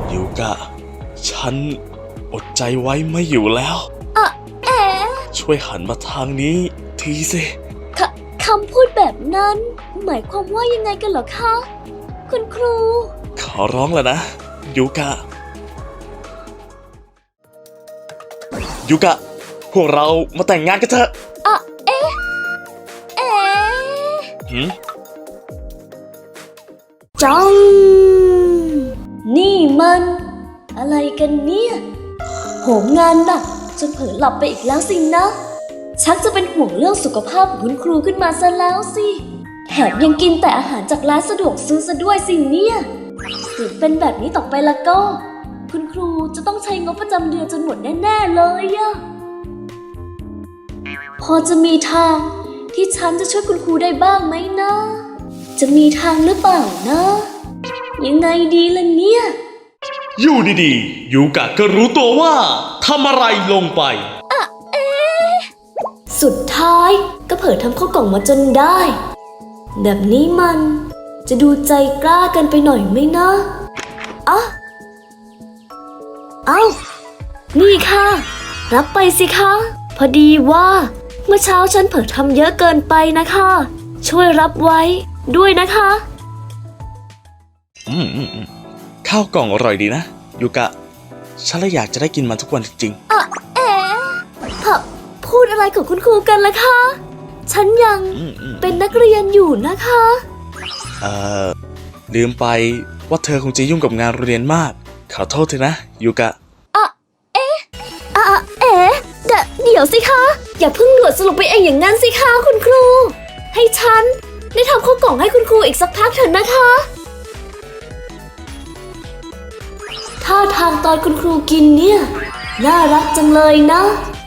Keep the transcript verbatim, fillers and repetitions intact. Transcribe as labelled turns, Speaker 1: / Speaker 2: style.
Speaker 1: ยูกะฉันอดใจไว้ไม่อยู่แล้ว
Speaker 2: อะเอ๋
Speaker 1: ช่วยหันมาทางนี้ทีสิ
Speaker 2: คคำพูดแบบนั้นหมายความว่ายังไงกันเหรอคะคุณครู
Speaker 1: ขอร้องแล้วนะยูกะยูกะพวกเรามาแต่งงานกันเถอะ
Speaker 2: อะเอ๊ะเอ๊ะ
Speaker 1: หืม
Speaker 2: จังนี่มันอะไรกันเนี่ยโหมงานหนักจนเผลอหลับไปอีกแล้วสินะชักจะเป็นห่วงเรื่องสุขภาพของคุณครูขึ้นมาซะแล้วสิแถมยังกินแต่อาหารจากร้านสะดวกซื้อซะด้วยสิเนี่ยถึงเป็นแบบนี้ต่อไปละก็คุณครูจะต้องใช้งบประจำเดือนจนหมดแน่ๆเลยอะพอจะมีทางที่ฉันจะช่วยคุณครูได้บ้างไหมนะจะมีทางหรือเปล่านะยังไงดีล่ะเนี่ย
Speaker 1: อยู่ดีๆยูกะก็รู้ตัวว่าทำอะไรลงไป
Speaker 2: อะเอ๊ะสุดท้ายก็เผลอทำข้าวกล่องมาจนได้แบบนี้มันจะดูใจกล้ากันไปหน่อยไหมนะอ่ะเอ้านี่ค่ะรับไปสิคะพอดีว่าเมื่อเช้าฉันเผลอทำเยอะเกินไปนะคะช่วยรับไว้ด้วยนะคะ
Speaker 1: อืมอืมอืมข้าวกล่องอร่อยดีนะยูกะฉันเลยอยากจะได้กินมันทุกวันจริง
Speaker 2: ๆอ่ะเอ๋พะพูดอะไรของคุณครูกันล่ะคะฉันยังเป็นนักเรียนอยู่นะคะ
Speaker 1: เอ่อลืมไปว่าเธอคงจะยุ่งกับงานเรียนมากขอโทษเถอะนะยูกะ
Speaker 2: อ่ะเอ๊ะอ่ะเอ๋เดเดี๋ยวสิคะอย่าเพิ่งด่วนสรุปไปเองอย่างนั้นสิคะคุณครูให้ฉันได้ทำข้าวกล่องให้คุณครูอีกสักพักเถอะนะคะท่าทางตอนคุณครูกินเนี่ยน่ารักจังเลยนะ